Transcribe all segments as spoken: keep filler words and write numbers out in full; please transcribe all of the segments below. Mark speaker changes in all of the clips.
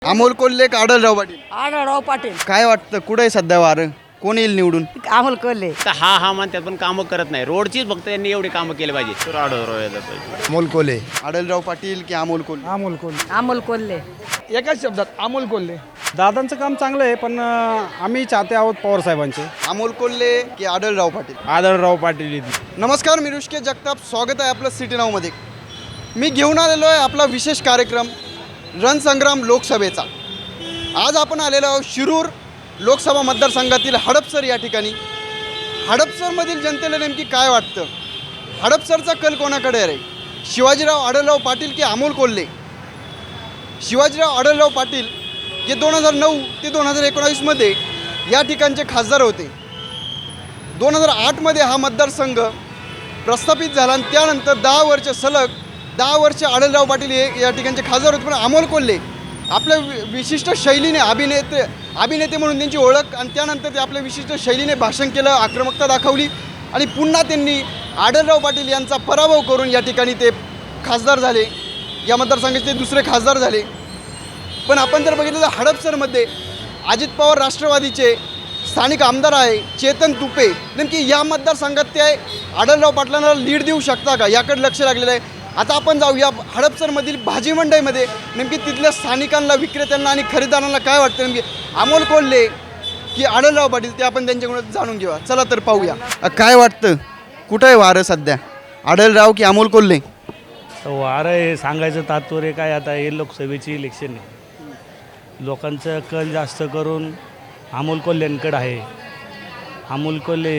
Speaker 1: अमोल कोल्हे का आढळराव पाटील?
Speaker 2: आढळराव पाटील.
Speaker 1: काय वाटतं कुठे आहे सध्या वारं? कोण येईल निवडून?
Speaker 2: अमोल कोल्हे.
Speaker 3: तर हा हा म्हणतात पण कामं करत नाही. रोडचीच फक्त त्यांनी एवढी कामं केली पाहिजे. तर आढळराव यायला पाहिजे.
Speaker 1: अमोल कोल्हे. आढळराव पाटील की अमोल कोल्हे?
Speaker 4: अमोल कोल्हे.
Speaker 2: अमोल कोल्हे.
Speaker 4: एकाच शब्दात अमोल कोल्हे. दादांचं काम चांगलं आहे, पण अं, आम्ही चाहते आहोत पवार साहेबांचे.
Speaker 1: अमोल कोल्हे की आढळराव पाटील?
Speaker 4: आढळराव पाटील.
Speaker 1: नमस्कार, मी ऋषिकेश जगताप, स्वागत आहे आपलं सिटी नाऊमध्ये. मी घेऊन आलेलो आहे आपला विशेष कार्यक्रम रणसंग्राम लोकसभेचा. आज आपण आलेलो आहोत शिरूर लोकसभा मतदारसंघातील हडपसर या ठिकाणी. हडपसरमधील जनतेला नेमकी काय वाटतं? हडपसरचा कल कोणाकडे आहे? शिवाजीराव आढळराव पाटील की अमोल कोल्हे? शिवाजीराव आढळराव पाटील जे दोन हजार नऊ ते दोन हजार एकोणावीसमध्ये या ठिकाणचे खासदार होते. दोन हजार आठमध्ये हा मतदारसंघ प्रस्थापित झाला आणि त्यानंतर दहा वर्ष सलग दहा वर्ष आढळराव पाटील हे या ठिकाणचे खासदार होते. पण अमोल कोल्हे आपल्या वि विशिष्ट शैलीने अभिनेते अभिनेते म्हणून त्यांची ओळख आणि त्यानंतर ते आपल्या विशिष्ट शैलीने भाषण केलं, आक्रमकता दाखवली आणि पुन्हा त्यांनी आढळराव पाटील यांचा पराभव करून या ठिकाणी ते खासदार झाले. या मतदारसंघाचे ते दुसरे खासदार झाले. पण आपण जर बघितलं तर हडपसरमध्ये अजित पवार राष्ट्रवादीचे स्थानिक आमदार आहे चेतन तुपे. नेमकी या मतदारसंघात ते आढळराव पाटलांना लीड देऊ शकता का, याकडे लक्ष लागलेलं आहे. आता आपण जाऊया हडपसरमधील भाजी मंडईमध्ये. नेमकी तिथल्या स्थानिकांना, विक्रेत्यांना आणि खरेदीदारांना काय वाटतं नेमकी अमोल कोल्हे की आढळराव पाटील, ते आपण त्यांच्याकडून जाणून घेऊया. चला तर पाहूया. काय वाटतं कुठं आहे वारं सध्या? आढळराव की अमोल कोल्हे?
Speaker 5: वारं हे सांगायचं तात्पर्य काय, आता हे लोकसभेची इलेक्शन आहे. लोकांचं कल जास्त करून अमोल कोल्हेंकडे आहे. अमोल कोल्हे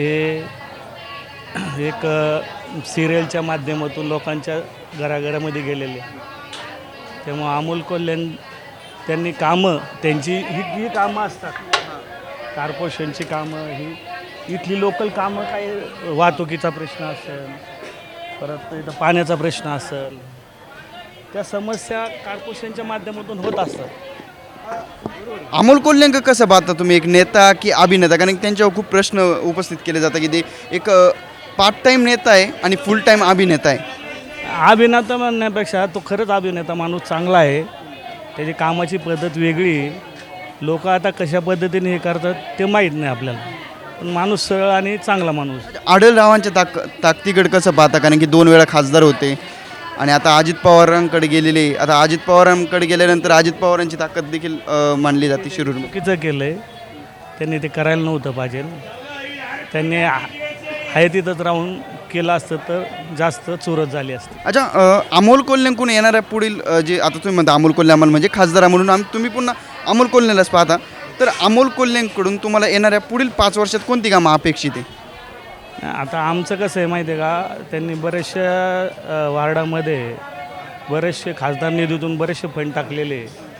Speaker 5: हे एक सिरियलच्या माध्यमातून लोकांच्या घराघरामध्ये गेलेले. त्यामुळं अमोल कोल्हे त्यांनी कामं त्यांची ही ही कामं असतात, कॉर्पोरेशनची कामं, ही इथली लोकल कामं, काय वाहतुकीचा प्रश्न असेल, परत इथं पाण्याचा प्रश्न असेल, त्या समस्या कॉर्पोरेशनच्या माध्यमातून होत असतात.
Speaker 1: अमोल कोल्हेंक कसं पाहता तुम्ही, एक नेता की अभिनेता? कारण त्यांच्यावर खूप प्रश्न उपस्थित केले जातात की ते एक पार्ट टाईम नेता आहे आणि फुल टाईम अभिनेता आहे.
Speaker 5: अभिनेता म्हणण्यापेक्षा तो खरंच अभिनेता माणूस चांगला आहे. त्याची कामाची पद्धत वेगळी. लोक आता कशा पद्धतीने हे करतात ते माहीत नाही आपल्याला, पण माणूस सरळ आणि चांगला माणूस.
Speaker 1: आढळरावांच्या ताक ताकदीकडे कसं पाहता? कारण की दोन वेळा खासदार होते आणि आता अजित पवारांकडे गेलेले. आता अजित पवारांकडे गेल्यानंतर अजित पवारांची ताकद देखील मानली जाते शिरूर.
Speaker 5: चुकीचं केलं आहे त्यांनी, ते करायला नव्हतं पाहिजे. त्यांनी आहे तिथंच राहून केलं असतं तर जास्त चुरत झाली असते.
Speaker 1: अच्छा, अमोल कोल्हेंकडून येणाऱ्या पुढील जे आता तुम्ही म्हणता अमोल कोल्हे अमोल म्हणजे खासदार म्हणून आम तुम्ही पुन्हा अमोल कोल्हेलाच पाहता, तर अमोल कोल्हेंकडून तुम्हाला येणाऱ्या पुढील पाच वर्षात कोणती कामं अपेक्षित आहे?
Speaker 5: आता आमचं कसं आहे माहिती आहे का, त्यांनी बरेचशा वार्डामध्ये बरेचसे खासदार निधीतून बरेचसे फंड टाकलेले.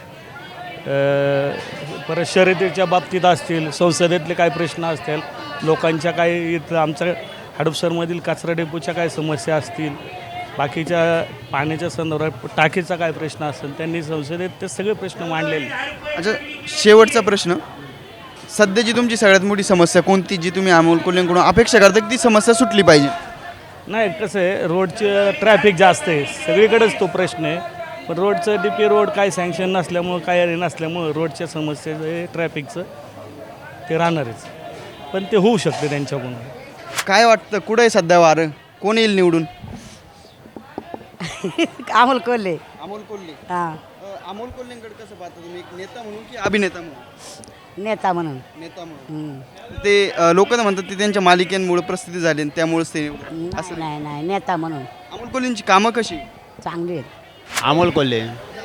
Speaker 5: परत शर्यतीच्या बाबतीत असतील, संसदेतले काही प्रश्न असतील, लोकांच्या काही इथं आमच्या हडपसरमधील कचरा डेपोच्या काय समस्या असतील, बाकीच्या पाण्याच्या संदर्भात टाकीचा काय प्रश्न असेल, त्यांनी संसदेत ते सगळे प्रश्न मांडलेले.
Speaker 1: अच्छा, शेवटचा प्रश्न, सध्याची तुमची सगळ्यात मोठी समस्या कोणती, जी तुम्ही अमोल कोल्हेंकडून अपेक्षा करता की ती समस्या सुटली पाहिजे?
Speaker 5: नाही, कसं आहे, रोडचे ट्रॅफिक जास्त आहे सगळीकडेच, तो प्रश्न आहे. पण रोडचं डी पी रोड काय सँक्शन नसल्यामुळं, काय नसल्यामुळं रोडच्या समस्येचं ट्रॅफिकचं ते राहणारच, पण ते होऊ शकते त्यांच्याकडून.
Speaker 1: काय वाटतं कुठं आहे सध्या वारं? कोण येईल निवडून?
Speaker 2: अमोल कोल्हे.
Speaker 1: अमोल कोल्हे.
Speaker 2: हां,
Speaker 1: अमोल कोल्हेंकडे कसं पाहता तुम्ही, एक नेता म्हणून की अभिनेता म्हणून?
Speaker 2: नेता म्हणून.
Speaker 1: नेता म्हणून.
Speaker 2: हम्म.
Speaker 1: ते लोक म्हणतात ते त्यांच्या मालिकेमुळे प्रसिद्धी झाली आणि त्यामुळेच ते असं.
Speaker 2: नाही नाही, नेता म्हणून.
Speaker 1: अमोल कोल्हेंची कामं कशी?
Speaker 2: चांगली आहेत.
Speaker 3: अमोल कोल्हे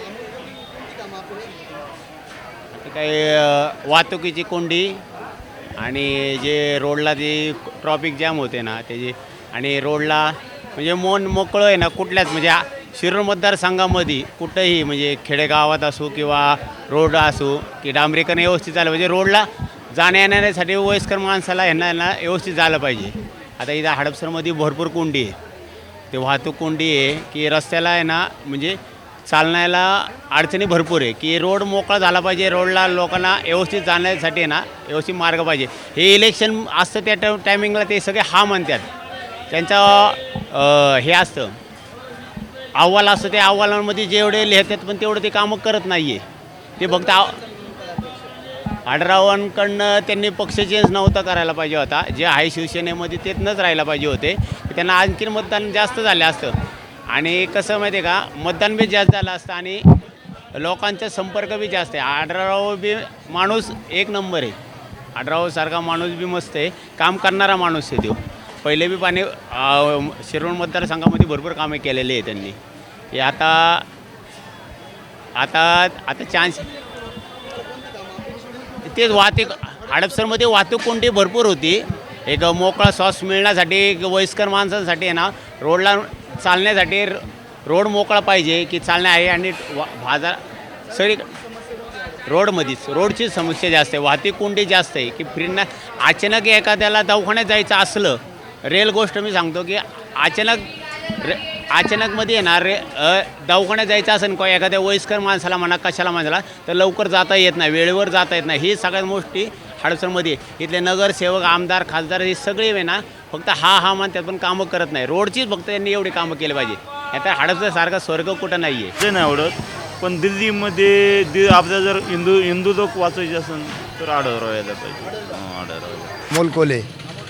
Speaker 3: काही वाहतुकीची कोंडी आणि जे रोडला जे ट्रॉफिक जॅम होते ना त्याची, आणि रोडला म्हणजे मन मोकळं आहे ना, कुठल्याच म्हणजे शिरूर मतदारसंघामध्ये कुठंही म्हणजे खेडेगावात असो किंवा रोड असो की डांबरीकरण व्यवस्थित झालं म्हणजे रोडला जाण्या येण्यासाठी वयस्कर माणसाला ह्यांना यांना व्यवस्थित झालं पाहिजे. आता इथं हडपसरमध्ये भरपूर कोंडी आहे, ते वाहतूक कोंडी आहे की रस्त्याला आहे ना म्हणजे चालण्याला अडचणी भरपूर आहे, की रोड मोकळा झाला पाहिजे, रोडला लोकांना व्यवस्थित जाण्यासाठी आहे ना व्यवस्थित मार्ग पाहिजे. हे इलेक्शन असतं त्या टा टायमिंगला ते सगळे हा म्हणतात, त्यांचं हे असतं अहवाल असतं, त्या अहवालांमध्ये जेवढे लिहितात पण तेवढं ते कामं करत नाही आहे. ते फक्त आ- आढरावांकडनं त्यांनी पक्ष चेंज नव्हता करायला पाहिजे होता. जे आहे शिवसेनेमध्ये तेच राहायला पाहिजे होते. त्यांना आणखीन मतदान जास्त झालं असतं आणि कसं माहिती आहे का, मतदान बी जास्त झालं असतं आणि लोकांचा संपर्क बी जास्त आहे. आढराव बी माणूस एक नंबर आहे. आढरावसारखा माणूस बी मस्त आहे, काम करणारा माणूस आहे तो. पहिले बी पाणी शिरोळ मतदारसंघामध्ये भरपूर कामे केलेली आहे त्यांनी. हे आता आता आता चान्स तेच वाहतूक हडपसरमध्ये वाहतूक कोणती भरपूर होती. एक मोकळा श्वास मिळण्यासाठी एक वयस्कर माणसांसाठी आहे ना, रोडला चालण्यासाठी रोड मोकळा पाहिजे की चालणे आहे आणि वा बाजार सगळी रोडमध्येच रोडची समस्या जास्त आहे. वाहतूक कोंडी जास्त आहे की फिरणं अचानक एखाद्याला दवाखान्यात जायचं असलं, रेल गोष्ट मी सांगतो की अचानक रे अचानकमध्ये येणार रे अ, दवाखान्यात जायचं असेल का एखाद्या वयस्कर माणसाला म्हणा कशाला माणसाला तर लवकर जाता येत नाही, वेळेवर जाता येत नाही. ही सगळ्यात मोठी हडपसरमध्ये इथले नगरसेवक आमदार खासदार हे सगळे आहे ना, फक्त हा हा म्हणतात पण कामं करत नाही. रोडचीच फक्त त्यांनी एवढी कामं केली पाहिजे. आता हडपसरसारखा स्वर्ग कुठं नाही आहे.
Speaker 6: ते नाही आवडत, पण दिल्लीमध्ये दि आपल्या जर हिंदू हिंदू लोक वाचायचे असेल तर आढळराव यायला पाहिजे. हां, आढळराव
Speaker 7: अमोल कोल्हे.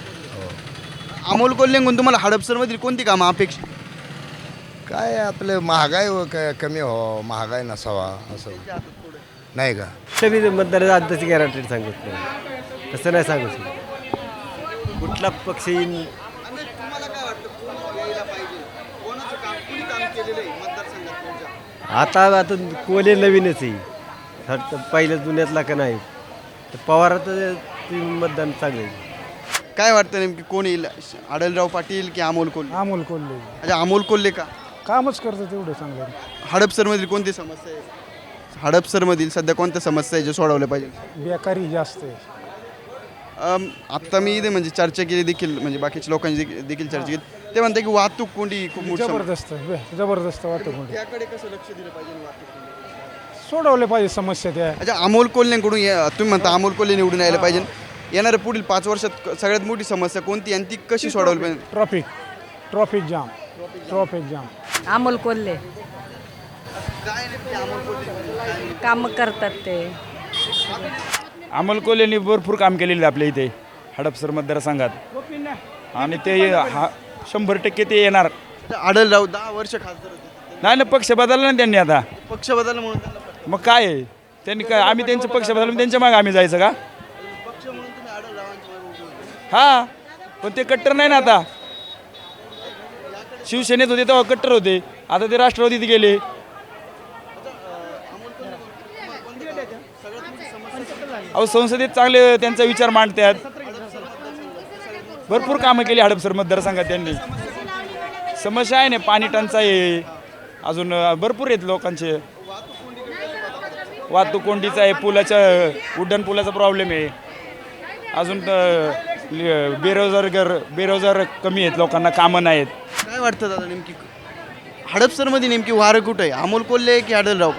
Speaker 1: अमोल कोल्हेंकडून तुम्हाला हडपसरमधील कोणती कामं अपेक्षित?
Speaker 7: काय आपलं महागाई व क- कमी व्हावं, महागाई नसावा असं नाही का.
Speaker 8: सगळी मतदार तशी गॅरंटी सांगत नाही, तसं नाही सांगू शकत. कुठला पक्ष येईन
Speaker 1: आणि तुम्हाला काय वाटतं कोण यायला पाहिजे? कोणाचं काम कुणी काम केलेलं आहे मतदारसंघात तुमच्या?
Speaker 8: आता आता कोले नवीनच आहे, फक्त पहिल्या जुन्यातला का नाही. तर पवाराचं ते मतदान चांगलं आहे.
Speaker 1: काय वाटतं नेमकी कोण येईल? आढळराव पाटील की अमोल कोल्हे?
Speaker 4: अमोल कोल्हे
Speaker 1: अच्छा, अमोल कोल्हे का?
Speaker 4: कामच करतं तेवढं चांगलं.
Speaker 1: हडपसरमधील कोणती समस्या आहे? हडपसरमधील सध्या कोणत्या समस्या आहे ज्या सोडवल्या पाहिजे?
Speaker 4: बेकारी जास्त आहे.
Speaker 1: अम, आत्ता मी इथे म्हणजे चर्चा केली देखील, म्हणजे बाकीच्या लोकांची देखील- देखील चर्चा केली. ते म्हणते की वाहतूक कोंडी खूप मोठी समस्या.
Speaker 4: जबरदस्त बे- जबरदस्त वाटतं कोणी
Speaker 1: त्याकडे कसं लक्ष दिलं पाहिजे वाहतूक कोंडी?
Speaker 4: सोडवले पाहिजे समस्या त्या.
Speaker 1: अच्छा, अमोल कोल्हेंकडून या- तुम्ही म्हणता अमोल कोल्हे निवडून यायला पाहिजे. येणाऱ्या पुढील पाच वर्षात क- सगळ्यात मोठी समस्या कोणती आणि ती कशी सोडवली पाहिजे?
Speaker 4: Traffic traffic jam traffic jam.
Speaker 2: Amol Kolhe
Speaker 1: काय नक्की अमोल कोल्हे?
Speaker 2: काम करतात ते.
Speaker 9: अमोल कोल्हेंनी भरपूर काम केलेलं आहे आपल्या इथे हडपसर मतदारसंघात आणि ते हा शंभर टक्के ते येणार.
Speaker 1: अच्छा, आढळराव दहा वर्ष खासदार होते.
Speaker 9: नाही ना, पक्ष बदलला ना त्यांनी आता.
Speaker 1: पक्ष बदलला म्हणून त्यांना पटलं.
Speaker 9: मग काय आहे? त्यांनी काय आम्ही त्यांचं पक्ष बदलून त्यांच्या मागे आम्ही जायचं का?
Speaker 1: पक्ष म्हणून तुम्ही आढळरावांच्या मागे उभे होते.
Speaker 9: हा, पण ते कट्टर नाही ना आता. शिवसेनेत होते तेव्हा कट्टर होते, आता ते राष्ट्रवादीत गेले. अहो, संसदेत चांगले त्यांचा विचार मांडतात. भरपूर कामं केली हडपसर मतदारसंघात त्यांनी. समस्या आहे ना, पाणी टंचाई आहे, अजून भरपूर आहेत लोकांचे. वाहतूक कोंडीचा आहे, पुलाच्या उड्डाण पुलाचा प्रॉब्लेम आहे. अजून अ, बेरोजगार बेरोजगार कमी आहेत, लोकांना कामं नाहीत.
Speaker 1: काय वाटतं दादा नेमकी हडपसरमध्ये नेमकी वारं कुठं आहे? अमोल कोल्हे की आढळराव?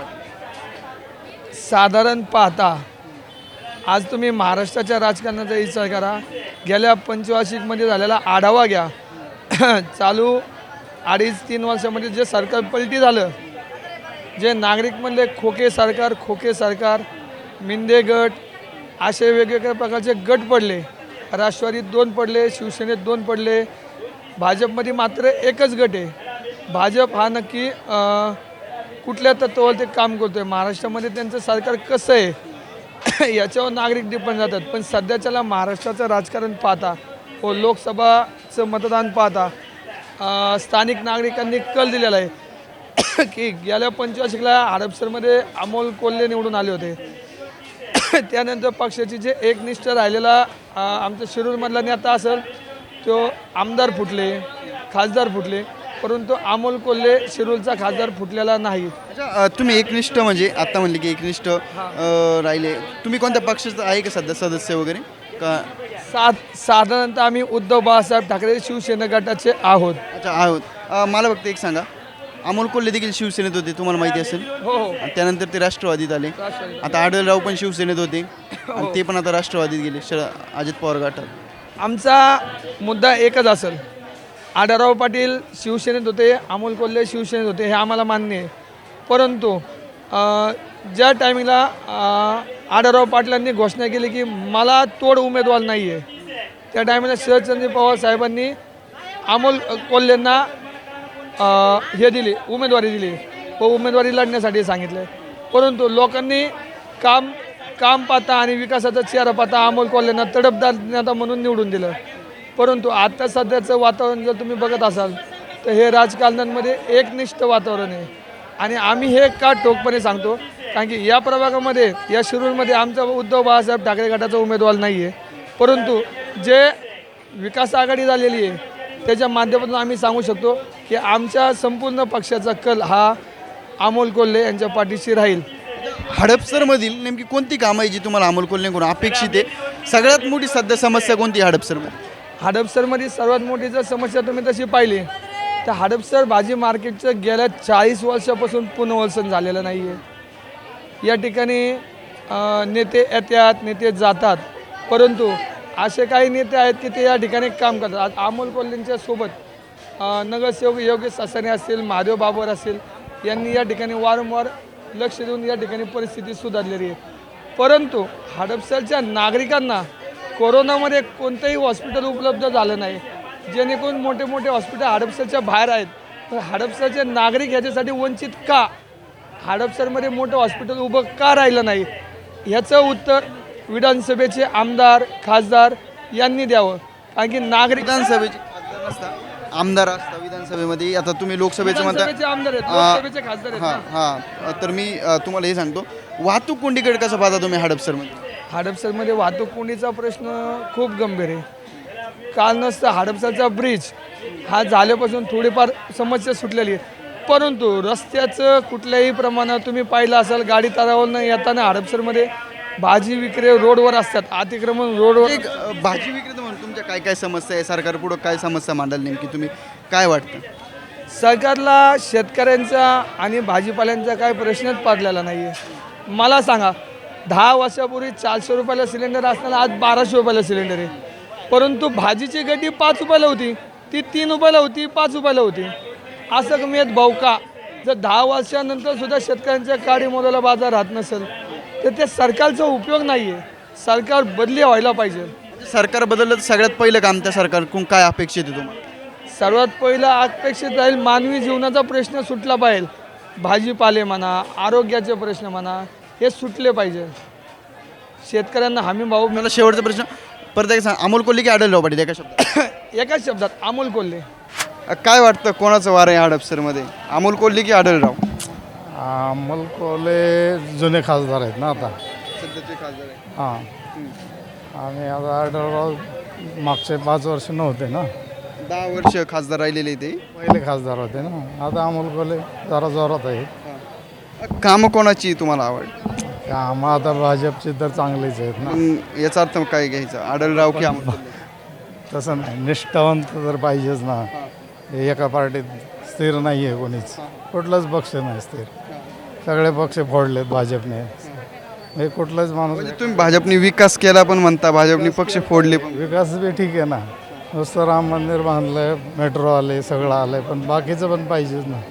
Speaker 10: साधारण पाहता आज तुम्ही महाराष्ट्राच्या राजकारणाचा विचार करा. गेल्या पंचवार्षिकमध्ये झालेला आढावा घ्या. चालू अडीच तीन वर्षामध्ये जे सरकार पलटी झालं, जे नागरिक म्हणले खोके सरकार खोके सरकार, मिंदे गट असे वेगवेगळ्या प्रकारचे गट पडले. राष्ट्रवादीत दोन पडले, शिवसेनेत दोन पडले, भाजपमध्ये मात्र एकच गट आहे. भाजप हा नक्की अं, कुठल्या तत्वावर ते काम करतो आहे, महाराष्ट्रामध्ये त्यांचं सरकार कसं आहे याच्यावर नागरिक डिपेंड जातात. पण सध्याच्याला महाराष्ट्राचं राजकारण पाहता व लोकसभाचं मतदान पाहता अं, स्थानिक नागरिकांनी कल दिलेला आहे की गेल्या पंचवार्षिकला हडपसरमध्ये अमोल कोल्हे निवडून आले होते. त्यानंतर पक्षाची जे एकनिष्ठ राहिलेला अं, आमच्या शिरूरमधला नेता असेल तो आमदार फुटले, खासदार फुटले, परंतु अमोल कोल्हे शिरूरचा खासदार फुटलेला नाही.
Speaker 1: अच्छा, अ, तुम्ही एकनिष्ठ म्हणजे आता म्हणले की एकनिष्ठ अ, राहिले. तुम्ही कोणत्या पक्षाचं आहे का सध्या सदस्य वगैरे का?
Speaker 10: सा साधारणतः आम्ही उद्धव बाळासाहेब ठाकरे शिवसेना गटाचे आहोत.
Speaker 1: अच्छा, आहोत. अ, मला फक्त एक सांगा, अमोल कोल्हे देखील शिवसेनेत होते, तुम्हाला माहिती असेल.
Speaker 10: हो हो
Speaker 1: आणि त्यानंतर ते राष्ट्रवादीत आले. आता आढळराव पण शिवसेनेत होते आणि ते पण आता राष्ट्रवादीत गेले, शर अजित पवार गटात.
Speaker 10: आमचा मुद्दा एकच असेल. आढळराव पाटील शिवसेनेत होते, अमोल कोल्हे शिवसेनेत होते, हे आम्हाला मान्य आहे. परंतु अ, ज्या टायमिंगला आढळराव पाटलांनी घोषणा केली की मला तोड उमेदवार नाही आहे, त्या टायमिंगला शरदचंद्र पवार साहेबांनी अमोल कोल्हेंना अ, हे दिली, उमेदवारी दिली व उमेदवारी लढण्यासाठी सांगितलं. परंतु लोकांनी काम काम पाहता आणि विकासाचा चेहरा पाहता अमोल कोल्हेंना तडफदार नेता म्हणून निवडून दिलं. परंतु आता सध्याचं वातावरण जर तुम्ही बघत असाल तर हे राजकारण्यांमध्ये एकनिष्ठ वातावरण आहे. आणि आम्ही हे का ठोकपणे सांगतो, कारण की या प्रभागामध्ये, या शिरूरमध्ये आमचा उद्धव बाळासाहेब ठाकरे गटाचा उमेदवार नाही आहे. परंतु जे विकास आघाडी झालेली आहे त्याच्या माध्यमातून आम्ही सांगू शकतो की आमच्या संपूर्ण पक्षाचा कल हा अमोल कोल्हे यांच्या पाठीशी राहील.
Speaker 1: हडपसरमधील नेमकी कोणती कामं आहे जी तुम्हाला अमोल कोल्हेकडून अपेक्षित आहे? सगळ्यात मोठी सध्या समस्या कोणती आहे हडपसरमध्ये?
Speaker 10: हडपसरमध्ये सर्वात मोठी जर समस्या तुम्ही तशी पाहिली तर हडपसर भाजी मार्केटचं गेल्या चाळीस वर्षापासून पुनर्वसन झालेलं नाही आहे. या ठिकाणी अ, नेते येतात, नेते जातात, परंतु असे काही नेते आहेत की ते या ठिकाणी काम करतात. आज अमोल कोल्हेंच्या सोबत अ, नगरसेवक योगेश सासने असतील, महादेव बाबर असतील, यांनी या ठिकाणी वारंवार लक्ष देऊन या ठिकाणी परिस्थिती सुधारलेली आहे. परंतु हडपसरच्या नागरिकांना कोरोनामध्ये कोणतंही हॉस्पिटल उपलब्ध झालं नाही, जेणेकरून मोठे मोठे हॉस्पिटल हडपसरच्या बाहेर आहेत. तर हडपसरचे नागरिक ह्याच्यासाठी वंचित का? हडपसरमध्ये मोठं हॉस्पिटल उभं का राहिलं नाही? ह्याचं उत्तर विधानसभेचे आमदार, खासदार यांनी द्यावं. कारण की नागरिक
Speaker 1: विधानसभेचे खासदार नसता, आमदार असता विधानसभेमध्ये. आता तुम्ही लोकसभेचं म्हणता,
Speaker 10: विधानसभेचे आमदार आहेत,
Speaker 1: आ,
Speaker 10: लोकसभेचे खासदार आहेत
Speaker 1: हां
Speaker 10: ना.
Speaker 1: हां तर मी अ, तुम्हाला हे सांगतो, वाहतूक कोंडीकडे कसं पाहता तुम्ही हडपसरमध्ये?
Speaker 10: हडपसरमध्ये वाहतूक कोंडीचा प्रश्न खूप गंभीर आहे. काल नसतं हडपसरचा ब्रिज हा झाल्यापासून थोडीफार समस्या सुटलेली आहे. परंतु रस्त्याचं कुठल्याही प्रमाणात तुम्ही पाहिलं असाल, गाडी तळावरनं येताना हडपसरमध्ये भाजी विक्री रोडवर असतात, अतिक्रमण रोडवर.
Speaker 1: एक अ, भाजी विक्रेता म्हणून तुमच्या काय काय समस्या आहे? सरकार पुढं काय समस्या मांडाल नेमकी, तुम्ही काय वाटतं?
Speaker 10: सरकारला शेतकऱ्यांचा आणि भाजीपाल्यांचा काय प्रश्नच पडलेला नाही आहे. मला सांगा, दहा वर्षापूर्वी चारशे रुपयाला सिलेंडर असताना आज बाराशे रुपयाला सिलेंडर आहे. परंतु भाजीची गड्डी पाच रुपयाला होती, ती तीन रुपयाला होती, पाच रुपयाला होती. असं कमी आहेत भाऊ का? जर दहा वर्षानंतर सुद्धा शेतकऱ्यांच्या काडी मोलाला बाजार राहत नसेल तर ते सरकारचा उपयोग नाही आहे. सरकार बदली व्हायला पाहिजे.
Speaker 1: सरकार बदललं तर सगळ्यात पहिलं काम त्या सरकारकडून काय अपेक्षित आहे तुम्हाला?
Speaker 10: सर्वात पहिलं अपेक्षित राहील मानवी जीवनाचा प्रश्न सुटला पाहिजे. भाजीपाले म्हणा, आरोग्याचे प्रश्न म्हणा, हे सुटले पाहिजे. शेतकऱ्यांना हमी भाव
Speaker 1: मला शेवटचा प्रश्न परत एक सांग, अमोल कोल्हे की आढळराव पाटील? एका शब्दात
Speaker 10: एकाच शब्दात अमोल कोल्हे.
Speaker 1: अ, काय वाटतं कोणाचं वार आहे हडपसरमध्ये, अमोल कोल्हे की आढळराव?
Speaker 4: अमोल कोल्हे जुने खासदार आहेत ना आता.
Speaker 1: सध्याचे खासदार आहे.
Speaker 4: हां, आणि आता आढळराव मागचे पाच वर्ष नव्हते ना,
Speaker 1: दहा वर्ष खासदार राहिलेले ते.
Speaker 4: पहिले खासदार होते ना. आता अमोल कोल्हे जरा जोरात आहे.
Speaker 1: कामं कोणाची तुम्हाला आवड?
Speaker 4: कामं आता भाजपचे तर चांगलेच आहेत ना.
Speaker 1: मग याचा अर्थ काय घ्यायचा, आढळराव की अमोल कोल्हे?
Speaker 4: तसं नाही, निष्ठावंत तर पाहिजेच ना. हे एका पार्टीत स्थिर नाही आहे कोणीच, कुठलाच पक्ष नाही स्थिर. सगळे पक्ष फोडलेत भाजपने. हे कुठलाच माणूस
Speaker 1: म्हणजे तुम्ही भाजपने विकास केला पण म्हणता, भाजपने पक्ष फोडले पण.
Speaker 4: विकास बी ठीक आहे ना, नुसतं राम मंदिर बांधलंय, मेट्रो आले, सगळं आलंय, पण बाकीचं पण पाहिजेच ना.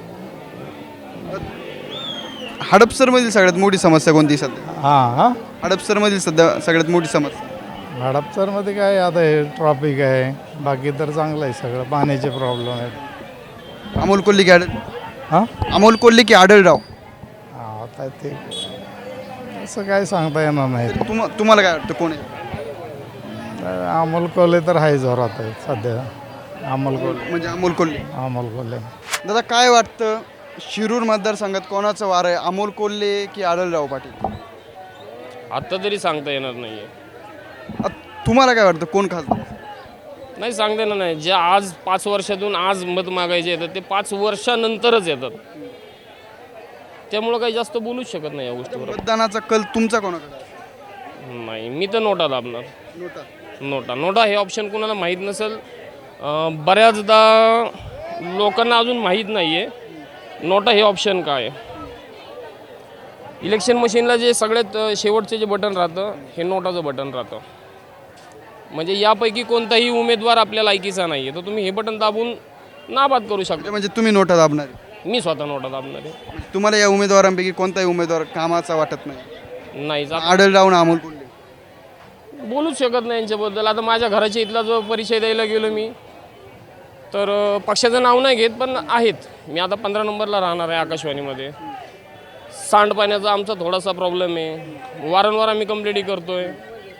Speaker 1: हडपसरमधील सगळ्यात मोठी समस्या कोणती सध्या?
Speaker 4: हां हां
Speaker 1: हडपसरमधील सध्या सगळ्यात मोठी समस्या?
Speaker 4: हडपसरमध्ये काय आता हे ट्रॉफिक आहे, बाकी तर चांगलं आहे सगळं. पाण्याचे प्रॉब्लेम आहेत.
Speaker 1: अमोल कोल्हे की आढळ
Speaker 4: हां
Speaker 1: अमोल कोल्हे की आढळराव?
Speaker 4: हां, आता ते असं काय सांगता येणार नाही.
Speaker 1: तुम तुम्हाला काय वाटतं कोण आहे?
Speaker 4: अमोल कोल्हे तर आहे जोरात आहे सध्या. अमोल कोल्हे
Speaker 1: म्हणजे अमोल कोल्हे.
Speaker 4: अमोल कोल्हे
Speaker 1: दादा काय वाटतं, शिरूर मतदारसंघात कोणाचं वार आहे, अमोल कोल्हे की आढळराव पाटील?
Speaker 11: आत्ता तरी सांगता येणार नाही आहे.
Speaker 1: अ, तुम्हाला काय वाटतं कोण खासदार?
Speaker 11: नाही सांगता येणार नाही. जे आज पाच वर्षातून आज मत मागायचे येतात ते पाच वर्षानंतरच येतात. त्यामुळं काही जास्त बोलूच शकत नाही या गोष्टीवर.
Speaker 1: मतदानाचा कल तुमचा कोणाकडे?
Speaker 11: नाही, मी तर नोटा दाबणार.
Speaker 1: नोटा.
Speaker 11: नोटा नोटा हे ऑप्शन कोणाला माहीत नसेल. अं, बऱ्याचदा लोकांना अजून माहीत नाही आहे नोटा हे ऑप्शन काय आहे. इलेक्शन मशीनला जे सगळ्यात शेवटचे जे बटन राहतं हे नोटाचं बटन राहतं. म्हणजे यापैकी कोणताही उमेदवार आपल्या लायकीचा नाही आहे तर तुम्ही हे बटन दाबून नाबाद करू शकता.
Speaker 1: म्हणजे तुम्ही नोटा दाबणार?
Speaker 11: मी स्वतः नोटा दाबणार आहे.
Speaker 1: तुम्हाला या उमेदवारांपैकी कोणताही उमेदवार कामाचा वाटत नाही?
Speaker 11: नाही जा
Speaker 1: आढळराव ना अमोल कोल्हे?
Speaker 11: बोलूच शकत नाही यांच्याबद्दल. आता माझ्या घराच्या इथला जो परिचय द्यायला गेलो मी, तर अ, पक्षाचं नाव नाही घेत, पण आहेत. मी आता पंधरा नंबरला राहणार आहे आकाशवाणीमध्ये. सांडपाण्याचा आमचा थोडासा प्रॉब्लेम आहे. वारंवार आम्ही कंप्लेंटी करतो आहे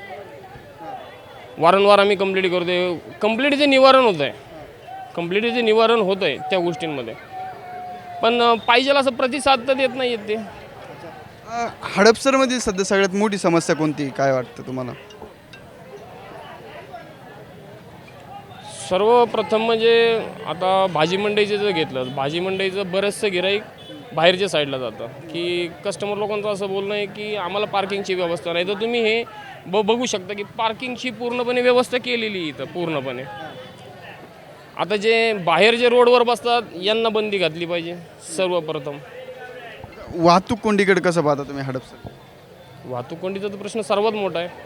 Speaker 11: वारंवार आम्ही कंप्लेंटी करतो आहे कंप्लेंटीचे निवारण होतं आहे कंप्लेंटीचे निवारण होतं आहे त्या गोष्टींमध्ये. पण अ, पाहिजे असं प्रतिसाद तर देत नाही आहेत ते.
Speaker 1: अ, हडपसरमधील सध्या सगळ्यात मोठी समस्या कोणती, काय वाटतं तुम्हाला?
Speaker 11: सर्वप्रथम म्हणजे आता भाजी मंडईचं जर घेतलं, भाजी मंडईचं बरंचसं गिराईक बाहेरच्या साईडला जातं, की कस्टमर लोकांचं असं बोलणं आहे की आम्हाला पार्किंगची व्यवस्था नाही. तर तुम्ही हे ब बघू शकता की पार्किंगची पूर्णपणे व्यवस्था केलेली इथं पूर्णपणे. आता जे बाहेर जे रोडवर बसतात यांना बंदी घातली पाहिजे सर्वप्रथम.
Speaker 1: वाहतूक कोंडीकडे कसं पाहता तुम्ही हडपसर?
Speaker 11: वाहतूक कोंडीचा तर प्रश्न सर्वात मोठा आहे.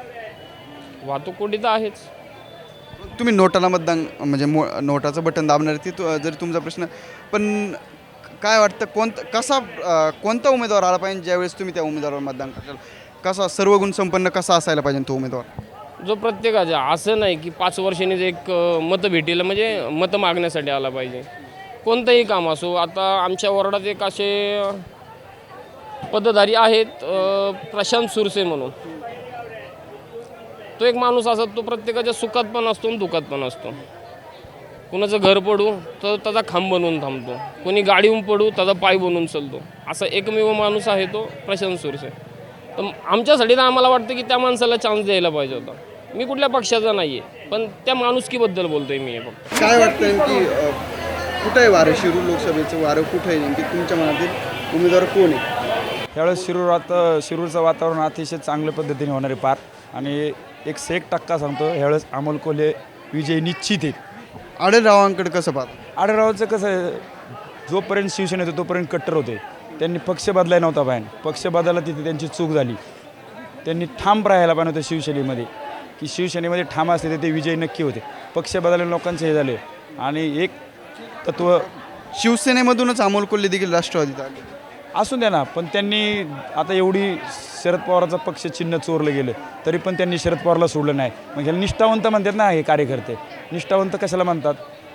Speaker 11: वाहतूक कोंडी तर आहेच.
Speaker 1: तुम्ही नोटाला मतदान म्हणजे मो नोटाचं बटन दाबणार ती तु जरी तुमचा प्रश्न, पण काय वाटतं कोणतं कसा अ, कोणता उमेदवार आला पाहिजे ज्यावेळेस तुम्ही त्या उमेदवारावर मतदान कराल? कसा सर्व गुण संपन्न कसा असायला पाहिजे तो उमेदवार?
Speaker 11: जो प्रत्येकाचा असं नाही की पाच वर्षांनी एक अ, मतं भेटीला म्हणजे मतं मागण्यासाठी आला पाहिजे. कोणतंही काम असो. आता आमच्या वॉर्डात एक असे अ, पदधारी आहेत अ, प्रशांत सुरसे म्हणून. तो एक माणूस असा तो प्रत्येकाच्या सुखात पण असतो आणि दुखात पण असतो. कुणाचं घर पडू तर त्याचा खांब बनवून थांबतो, कोणी गाडीहून पडू त्याचा पाय बनवून चालतो. असा एकमेव माणूस आहे तो प्रशांत सुरसे. तर आमच्यासाठी तर आम्हाला वाटतं की त्या माणसाला चान्स द्यायला पाहिजे होता. मी कुठल्या पक्षाचा नाही आहे, पण त्या माणुसकीबद्दल बोलतो आहे मी हे फक्त.
Speaker 1: काय वाटतं की अ, कुठं आहे वारं? शिरूर लोकसभेचं वारं कुठं आहे नेमकी? तुमच्या मनातील उमेदवार कोण आहे?
Speaker 9: त्यावेळेस शिरूरात शिरूरचं वातावरण अतिशय चांगल्या पद्धतीने होणार आहे पार. आणि एक से एक टक्का सांगतो ह्यावेळेस अमोल कोल्हे विजय निश्चित आहे.
Speaker 1: आढळरावांकडे कसं पाहता?
Speaker 9: आढळरावचं कसं आहे, जोपर्यंत शिवसेना होते तोपर्यंत कट्टर होते. त्यांनी पक्ष बदलाय नव्हता पाहिजे. पक्ष बदलायला तिथे त्यांची चूक झाली. त्यांनी ठाम राहायला पाहिजे होतं शिवसेनेमध्ये, की शिवसेनेमध्ये ठाम असते तर ते विजय नक्की होते. पक्ष बदलले लोकांचे हे झाले. आणि एक तत्व
Speaker 1: शिवसेनेमधूनच अमोल कोल्हे देखील राष्ट्रवादीत आले.
Speaker 9: असून द्या ना, पण त्यांनी आता एवढी शरद पवाराचा पक्ष चिन्ह चोरलं गेलं तरी पण त्यांनी शरद पवारला सोडलं नाही. मग ह्याला निष्ठावंत म्हणतात ना हे कार्यकर्ते. निष्ठावंत कशाला म्हणतात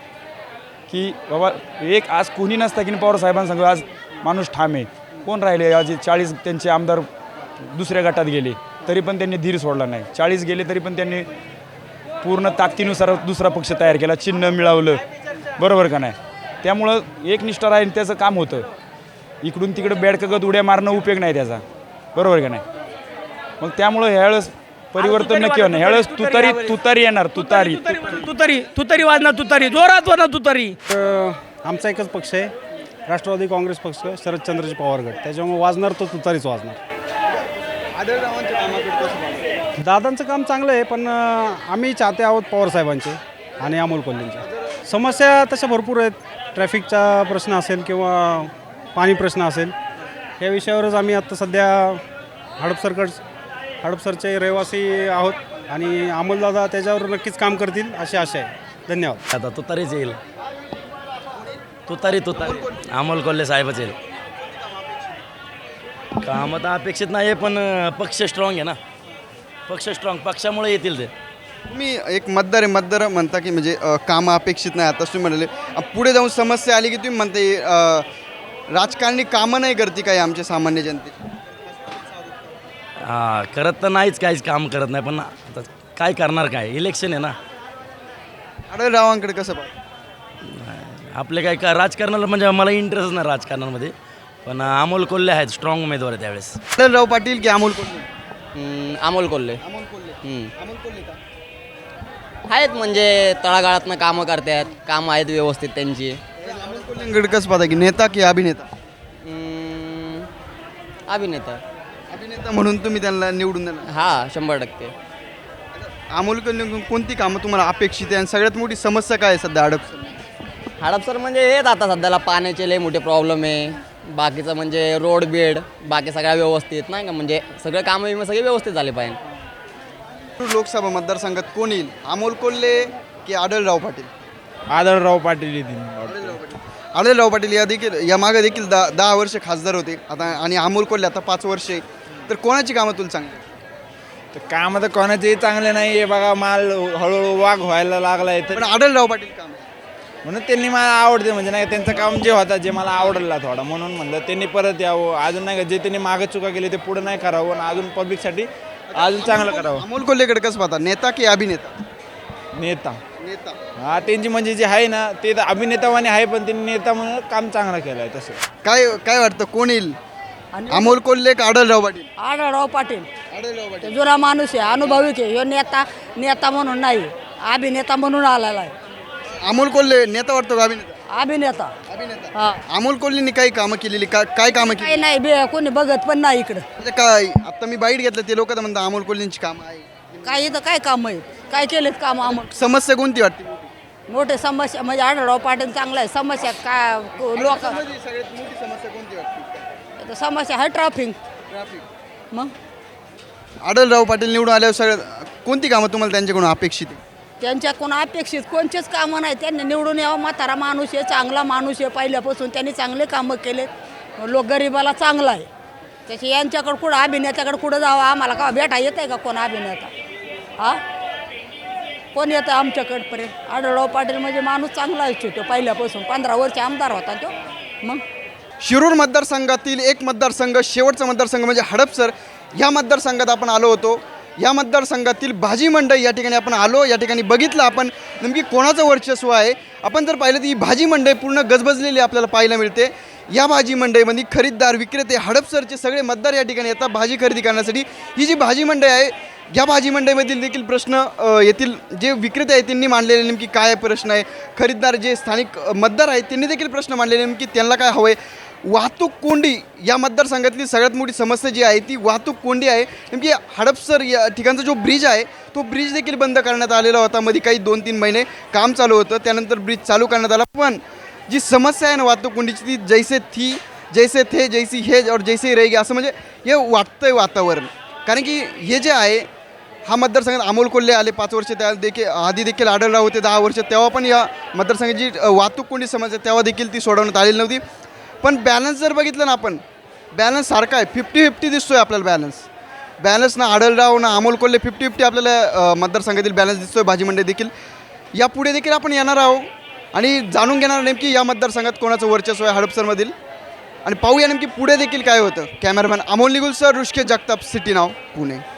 Speaker 9: की बाबा एक आज कोणी नसता की पवार साहेबांना सांगू आज माणूस ठाम आहे. कोण राहिले आज चाळीस त्यांचे आमदार दुसऱ्या गटात गेले तरी पण त्यांनी धीर सोडला नाही. चाळीस गेले तरी पण त्यांनी पूर्ण ताकदीनुसार दुसरा पक्ष तयार केला, चिन्ह मिळवलं. बरोबर का नाही? त्यामुळं एक निष्ठा राहील त्याचं काम होतं. इकडून तिकडे बेडकगत उड्या मारणं उपयोग नाही त्याचा. बरोबर का नाही? मग त्यामुळं ह्यावेळेस परिवर्तन नक्की होणार. ह्यावेळेस तुतारी तुतारी येणार. तुतारी
Speaker 10: तुतारी तुतारी वाजणार, तुतारी जोरात वाजणार तुतारी.
Speaker 8: आमचा एकच पक्ष आहे, राष्ट्रवादी काँग्रेस पक्ष, शरदचंद्रजी पवार गट. त्याच्यामुळे वाजणार तो तुतारीच वाजणार.
Speaker 1: आढळरावांच्या कामाकडे कसं पाहता?
Speaker 8: दादांचं काम चांगलं आहे, पण आम्ही चाहते आहोत पवारसाहेबांचे आणि अमोल कोल्हेंचे. समस्या तशा भरपूर आहेत. ट्रॅफिकचा प्रश्न असेल किंवा पाणी प्रश्न असेल, या विषयावरच आम्ही आत्ता सध्या हडपसरकड हडपसरचे रहिवासी आहोत आणि अमोलदादा त्याच्यावर नक्कीच काम करतील अशी आशा आहे. धन्यवाद.
Speaker 12: आता तुतारीच येईल. तुतारी तुतारी अमोल कोल्हे साहेबच येईल. काम तर अपेक्षित नाही आहे, पण पक्ष स्ट्रॉंग आहे ना. पक्ष स्ट्रॉंग पक्षामुळे येतील ते.
Speaker 1: तुम्ही एक मतदार आहे, मतदार म्हणता की म्हणजे अ, कामं अपेक्षित नाही. आता तुम्ही म्हणाले अ, पुढे जाऊन समस्या आली की तुम्ही म्हणते अ, राजकारणी कामं नाही करते काही आमच्या सामान्य जनते.
Speaker 12: हां, करत तर नाहीच, काहीच काम करत नाही. पण आता काय करणार, काय इलेक्शन आहे ना.
Speaker 1: आढळरावांकडे कसं पाहता?
Speaker 12: आपले काय का राजकारणाला म्हणजे मला इंटरेस्ट नाही राजकारणामध्ये, पण अमोल कोल्हे आहेत स्ट्रॉंग उमेदवार आहे त्यावेळेस.
Speaker 1: आढळराव पाटील की अमोल कोल्हे?
Speaker 13: अमोल कोल्हे
Speaker 1: अमोल कोल्हे. अमोल कोल्हे का?
Speaker 13: आहेत म्हणजे तळागाळातनं कामं करतात, कामं आहेत व्यवस्थित त्यांची.
Speaker 1: अमोल कोल्हेंकडे कसं पाहता की नेता की अभिनेता?
Speaker 13: हम्म, अभिनेता.
Speaker 1: अभिनेता म्हणून तुम्ही त्यांना निवडून देणार?
Speaker 13: हा, शंभर टक्के.
Speaker 1: अमोल कोल्हे कोणती कामं तुम्हाला अपेक्षित आहे आणि सगळ्यात मोठी समस्या काय आहे सध्या हडपसर?
Speaker 13: हडपसर म्हणजे हेच आता सध्याला पाण्याचे लय मोठे प्रॉब्लेम आहे. बाकीचं म्हणजे रोड बेड बाकी सगळ्या व्यवस्थित नाही का, म्हणजे सगळे कामं विमं सगळे व्यवस्थित झाले पाहिजे.
Speaker 1: लोकसभा मतदारसंघात कोण येईल? अमोल कोल्हे की आढळराव पाटील?
Speaker 9: आढळराव पाटील येतील.
Speaker 1: आढळराव पाटील. आढळराव पाटील या देखील या मागे देखील दहा दहा वर्ष खासदार होते आता, आणि अमोल कोल्हे आता पाच वर्षे. तर कोणाची कामं तुला चांगली?
Speaker 9: तर काम तर कोणाचेही चांगले नाही आहे बघा, माल हळूहळू वाघ व्हायला लागला आहे तर
Speaker 1: पण आढळराव पाटील काम
Speaker 9: म्हणून त्यांनी मला आवडते, म्हणजे नाही त्यांचं काम जे होतं जे मला आवडलं थोडा, म्हणून म्हणलं त्यांनी परत यावं, अजून नाही का जे त्यांनी मागं चुका केली ते पुढे नाही करावं आणि अजून पब्लिकसाठी अजून चांगलं करावं.
Speaker 1: अमोल कोल्हेकडे कसं पाहता, नेता की अभिनेता?
Speaker 9: नेता
Speaker 1: नेता.
Speaker 9: हा त्यांची म्हणजे जे आहे ना ते तर अभिनेतावाने आहे, पण त्यांनी नेता म्हणून काम चांगलं केलं आहे. तसं
Speaker 1: काय काय वाटतं कोण येईल, अमोल कोल्हे का आढळराव पाटील?
Speaker 2: आढळराव पाटील
Speaker 1: आढळराव पाटील.
Speaker 2: ते जुना माणूस आहे, अनुभवी आहे. ह्यो नेता नेता म्हणून नाही, अभिनेता म्हणून आलेला आहे.
Speaker 1: अमोल कोल्हे नेता वाटतो का अभिनेता?
Speaker 2: अभिनेता
Speaker 1: अभिनेता.
Speaker 2: हा.
Speaker 1: अमोल कोल्हेंनी काही कामं केलेली का, काय कामं केली
Speaker 2: काही नाही बे कोणी बघत पण नाही इकडं.
Speaker 1: म्हणजे काय आता मी बाईट घेतलं ते लोक तर म्हणतात अमोल कोल्हेंची कामं आहे.
Speaker 2: काय इथं काय काम आहेत, काय केलेत काम आम्हाला?
Speaker 1: समस्या कोणती वाटते?
Speaker 2: मोठे समस्या म्हणजे आढळराव पाटील चांगला आहे. समस्या काय लोक
Speaker 1: सगळ्यात मोठी समस्या कोणती वाटते?
Speaker 2: समस्या आहे ट्रॅफिक.
Speaker 1: ट्रॅफिक.
Speaker 2: मग
Speaker 1: आढळराव पाटील निवडून आल्यावर सगळ्यात कोणती कामं तुम्हाला त्यांच्याकडून अपेक्षित आहे?
Speaker 2: त्यांच्याकडून अपेक्षित कोणतेच कामं नाही. त्यांनी निवडून यावं. म्हातारा माणूस आहे, चांगला माणूस आहे, पहिल्यापासून त्यांनी चांगले कामं केलेत. लोक गरीबाला चांगला आहे. त्याची यांच्याकडं कुठं अभिनेत्याकडे कुठं जावं, आम्हाला का भेटा येत आहे का कोण अभिनेता? हा कोण येतं आमच्याकडपर्यंत? आढळराव पाटील म्हणजे माणूस चांगला आहे तो पहिल्यापासून, पंधरा वर्ष आमदार होता तो. मग
Speaker 1: शिरूर मतदारसंघातील एक मतदारसंघ, शेवटचा मतदारसंघ म्हणजे हडपसर, या मतदारसंघात आपण आलो होतो. या मतदारसंघातील भाजी मंडई या ठिकाणी आपण आलो, या ठिकाणी बघितलं आपण नेमकी कोणाचं वर्चस्व आहे. आपण जर पाहिलं तर ही भाजी मंडई पूर्ण गजबजलेली आपल्याला पाहायला मिळते. या भाजी मंडईमध्ये खरीददार विक्रेते हडपसरचे सगळे मतदार या ठिकाणी येतात भाजी खरेदी करण्यासाठी. ही जी भाजी मंडई आहे या भाजी मंडईमधील देखील प्रश्न येथील जे विक्रेते आहेत त्यांनी मांडलेले नेमकी काय प्रश्न आहे, खरीददार जे स्थानिक मतदार आहेत त्यांनी देखील प्रश्न मांडलेले नेमकी त्यांना काय हवं आहे. वाहतूक कोंडी या मतदारसंघातली सगळ्यात मोठी समस्या जी आहे ती वाहतूक कोंडी आहे. नेमकी हडपसर या ठिकाणचा जो ब्रिज आहे तो ब्रिज देखील बंद करण्यात आलेला होता. मध्ये काही दोन तीन महिने काम चालू होतं, त्यानंतर ब्रिज चालू करण्यात आला. पण जी समस्या आहे ना वाहतूक कोंडीची ती जैसे थी जैसे थे जैसी हे और जैसे रहेगी असं म्हणजे हे वाटतंय वातावरण. कारण की हे जे आहे हा मतदारसंघात अमोल कोल्हे आले पाच वर्ष, त्या देखील आधी देखील आढळराव होते दहा वर्ष, तेव्हा पण या मतदारसंघाची वाहतूक कोंडी समस्या तेव्हा देखील ती सोडवण्यात आलेली नव्हती. पण बॅलन्स जर बघितलं ना आपण, बॅलन्स सारखा आहे, फिफ्टी फिफ्टी दिसतोय आपल्याला. बॅलन्स बॅलन्स ना आढळराव ना अमोल कोल्हे, फिफ्टी फिफ्टी आपल्याला मतदारसंघातील बॅलन्स दिसतोय भाजी मंडई देखील. यापुढे देखील आपण येणार आहोत आणि जाणून घेणार नेमकी या मतदारसंघात कोणाचं वर्चस्व आहे हडपसरमधील, आणि पाहूया नेमकी पुढे देखील काय होतं. Cameraman Amol Nigul sir, Rishikesh Jagtap, city नाव, पुणे.